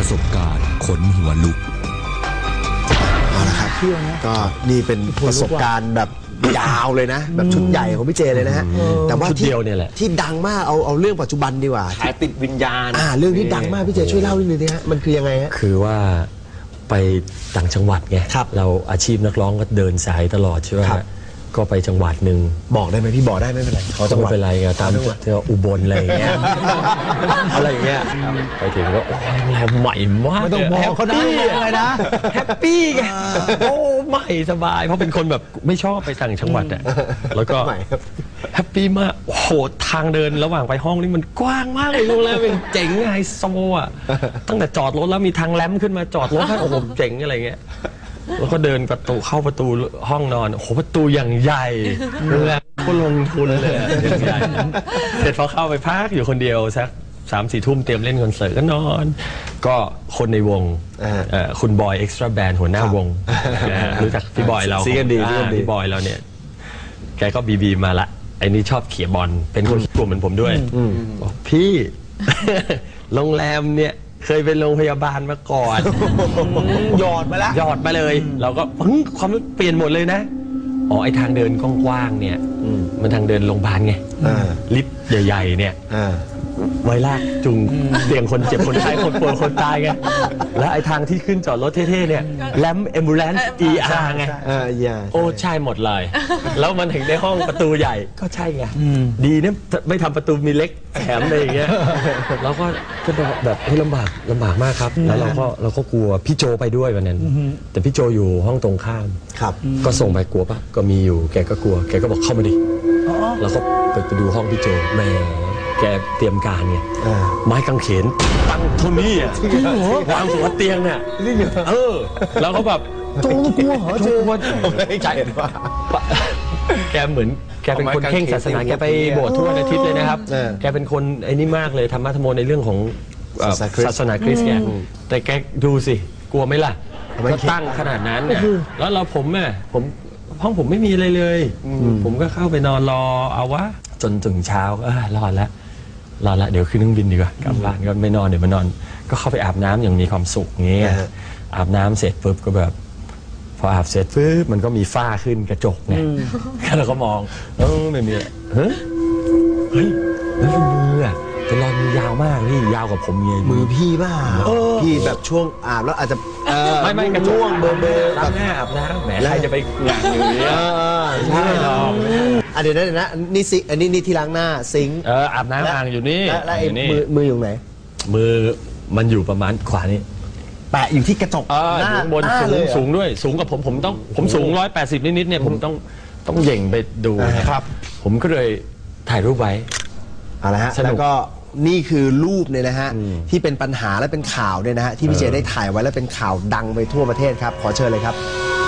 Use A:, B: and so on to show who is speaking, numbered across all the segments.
A: สบการณ์ขนหัวลุก
B: เอาละครับก็นี่เป็นประสบการณ์แบบยาวเลยนะแบบชุดใหญ่ของพี่เจเลยนะฮะแต่ว่าที่ดังมากเอาเรื่องปัจจุบันดีกว่า
C: ขายติดวิญญาณ
B: เรื่องที่ดังมากพี่เจช่วยเล่านิดนึงนะฮะมันคือยังไงฮะ
D: คือว่าไปต่างจังหวัดไงเราอาชีพนักร้องก็เดินสายตลอดใช่ไหมก็ไปจังหวัดหนึ่ง
B: บอกได้ไหมพี่บอกได้ไม่เป็นไร
D: เขาจังหวัดไม่เป็นไรไงตามอุบลอะไรอย่างเงี้ยอะไรอย่างเงี้ยไปถึงก็โอ้ยโรงแรมใหม่มาก
B: ไม่ต้องบอกเขาได้เลยนะ
D: แฮปปี้ไงโอ้ใหม่สบายเพราะเป็นคนแบบไม่ชอบไปต่างจังหวัดอ่ะแล้วก็แฮปปี้มากโอ้โหทางเดินระหว่างไปห้องนี่มันกว้างมากเลยโรงแรมเป็นเจ๋งไฮโซอ่ะตั้งแต่จอดรถแล้วมีทางแลมขึ้นมาจอดรถโอ้โหเจ๋งอะไรเงี้ยแล้วก็เดินประตูเข้าประตูห้องนอนโอ้โหประตูอย่างใหญ่โรงแรมก็ลงทุนเลยอย่างใหญ่เสร็จพอเข้าไปพักอยู่คนเดียวสัก3-4 ทุ่มเตรียมเล่นคอนเสิร์ตก็นอนก็คนในวงคุณบอยเอ็กซ์ตร้าแบนด์หัวหน้าวงรู้จักพี่บอยเราพี่บอยเราเนี่ยแกก็บีมาละไอ้นี่ชอบเขี่ยบอลเป็นคนกลัวเหมือนผมด้วยบอกพี่โรงแรมเนี่ยเคยเป็นโรงพยาบาลมาก่อน
B: หยอดมาแล้ว
D: หยอดมาเลยเราก็ความเปลี่ยนหมดเลยนะอ๋อไอทางเดินกว้างๆเนี่ยมันทางเดินโรงพยาบาลไงลิฟต์ใหญ่ๆเนี่ยไว้ลากจุงเตียงคนเจ็บคนไข้คนป่วยคนตายไงแล้วไอทางที่ขึ้นจอดรถเท่ๆเนี่ยแลมแอมบูเลนซ์ ER ไงโอ้ใช่หมดเลยแล้วมันถึงได้ห้องประตูใหญ่ก็ใช่ไงดีเนี่ยไม่ทำประตูมีเล็กแถมอะไรอย่างเงี้ยแล้วก็แบบให้ลำบากมากครับแล้วเราก็กลัวพี่โจไปด้วยวันนั้นแต่พี่โจอยู่ห้องตรงข้ามก็ส่งไปกลัวปะก็มีอยู่แกก็กลัวแกก็บอกเข้ามาดิแล้วก็ไปดูห้องพี่โจแม่แกเตรียมการไงไม้กางเขนตั้งเท่านี้วางหัวเตียงเนี่ยแล้วก็แบบ
B: โจกลัวเหรอเจ
D: ใจว่าแกเหมือนแกเป็นคนเข่งศาสนาแกไปโบสถ์ทุกวันอาทิตย์เลยนะครับแกเป็นคนไอ้นี่มากเลยธรรมะธรรมโมในเรื่องของศาสนาคริสต์แกแต่แกดูสิกลัวไหมล่ะก็ตั้งขนาดนั้นแล้วผมห้องผมไม่มีอะไรเลยผมก็เข้าไปนอนรอเอาวะจนถึงเช้ารอดแล้วเดี๋ยวขึ้นเครื่องบินดีกว่ากลับบ้านก็ไม่นอนเดี๋ยวมานอนก็เข้าไปอาบน้ำอย่างมีความสุขเงี้ยอาบน้ำเสร็จปุ๊บก็แบบพออาบเสร็จปุ๊บมันก็มีฝ้าขึ้นกระจกไงเราก็มองไม่มีเฮ้ยนั่นคือมือแต่รอยมือยาวมากนี่ยาวกว่าผมไง
B: มือพี่บ้าพี่แบบช่วงอาบแล้วอาจจะ
D: ไม่กระจกเบอร์ล้างหน้าอาบน้ำแหมใครจะไปหงางอย่างนี้ใช่หรอก
B: เดี๋ยวนะนี่ซิงอันนี้ที่ล้างหน้าซิง
D: อาบน้ำอ่างอยู่นี่
B: แล้วมืออยู่ไหน
D: มือมันอยู่ประมาณขวานี่
B: แปะอยู่ที่กระจก
D: หน้าบนสูงด้วยสูงกับผมสูง180นิดๆเนี่ยผมต้องเหย่งไปดูครับผมก็เลยถ่ายรูปไว้
B: เอาละฮะแล้วก็นี่คือรูปเนี่ยนะฮะที่เป็นปัญหาและเป็นข่าวเนี่ยนะฮะที่พี่เจได้ถ่ายไว้แล้วเป็นข่าวดังไปทั่วประเทศครับขอเชิญเลยครับ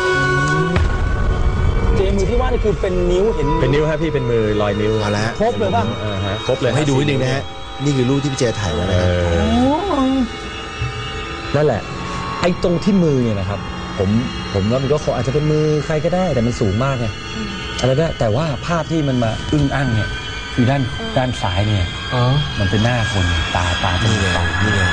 E: มือที่ว่านี่คือเป็นนิ้วเห็น
D: เป็นนิ้วฮะพี่เป็นมือรอยนิ้ว
B: เอาละ
E: ครบเลยป่ะ
D: ครบเลย
B: ให้ดูนิดนึงนะฮะนี่คือรูปที่พี่เจถ่ายไว้นะ
E: นั่นแหละไอ้ตรงที่มือเนี่ยนะครับผมว่ามันก็อาจจะเป็นมือใครก็ได้แต่มันสูงมากไงอะไรได้แต่ว่าภาพที่มันมาอึ้งอั้งเนี่ยคือด้านซ้ายเนี่ยมันเป็นหน้าคนตาจมูก
B: นี่ไง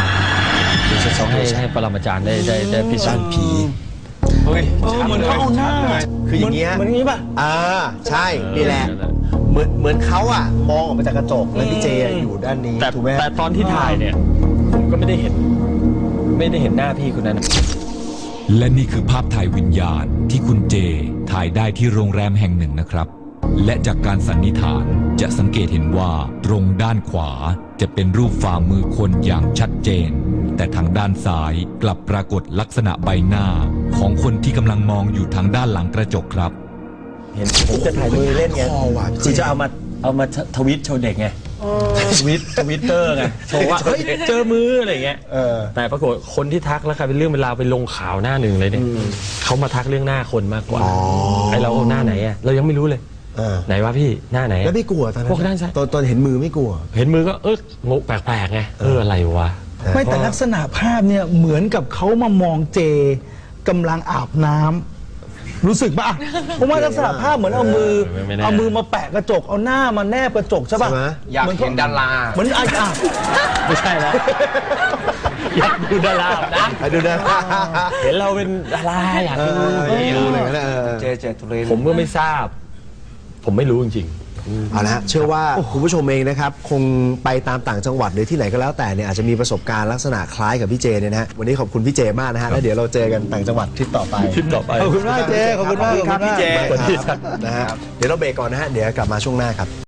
D: ให้ปรมาจารย์ได้พิสูจน์ผี
E: เหมือนเขาเอาหน้า
B: คืออย่างเงี้ย
E: เหมือนงี้ป่ะ
B: ใช่นี่แหละเหมือนเขาอ่ะมองออกมาจากกระจกแล้วพี่เจอยู่ด้านนี้ถูกไหม
D: แต่ตอนที่ถ่ายเนี่ยผมก็ไม่ได้เห็นหน้าพี่คนนั้น
A: และนี่คือภาพถ่ายวิญญาณที่คุณเจถ่ายได้ที่โรงแรมแห่งหนึ่งนะครับและจากการสันนิษฐานจะสังเกตเห็นว่าตรงด้านขวาจะเป็นรูปฝ่ามือคนอย่างชัดเจนแต่ทางด้านซ้ายกลับปรากฏลักษณะใบหน้าของคนที่กำลังมองอยู่ทางด้านหลังกระจกครับ
D: เห็นผมจะถ่ายมือเล่นไงคือจะเอามาทวิตโชว์เด็กไงทวิตเตอร์ไงโชว์ว่าเจอมืออะไรเงี้ยแต่ปรากฏคนที่ทักแล้วกลายเป็นเรื่องเวลาไปลงข่าวหน้าหนึ่งเลยเนี่ยเขามาทักเรื่องหน้าคนมากกว่าไอเราหน้าไหนอะเรายังไม่รู้เลยไหนวะพี่หน้าไหน
B: แล้วไม่กลัวตอนนั้น
D: พวกด้านซ้าย
B: ตอนเห็นมือไม่กลัว
D: เห็นมือก็งงแปลกๆไงอะไรวะ
E: ไม่แต่ลักษณะภาพเนี่ยเหมือนกับเขามามองเจกำลังอาบน้ำรู้สึกป่ะผมว่าลักษณะภาพเหมือนเอามือมาแปะกระจกเอาหน้ามาแนบกระจกใช่ป่ะ
C: อยากเห็นดารา
E: เหมือน
D: ไม่ใช่แล้วอยากดูดาราอาบน้
B: ดูนะ
D: ำเห็นเราเป็นดาราอยากดู
B: ดูเลยนะ
E: เจเจตุเรน
D: ผมก็ไม่ทราบ ผมไม่รู้จริง
B: เอาละฮะเชื่อว่าคุณผู้ชมเองนะครับคงไปตามต่างจังหวัดหรือที่ไหนก็แล้วแต่เนี่ยอาจจะมีประสบการณ์ลักษณะคล้ายกับพี่เจเนี่ยนะฮะวันนี้ขอบคุณพี่เจมากนะฮะแล้วเดี๋ยวเราเจอกันต่างจังหวัดทริปต่อไป
D: ๆทริปต่อไป
E: ขอบคุณมากเจขอบคุณมาก
B: ครับพี่เจ
D: สวัสดีครับ
B: นะฮะเดี๋ยวเราเบรกก่อนนะฮะเดี๋ยวกลับมาช่วงหน้าครับ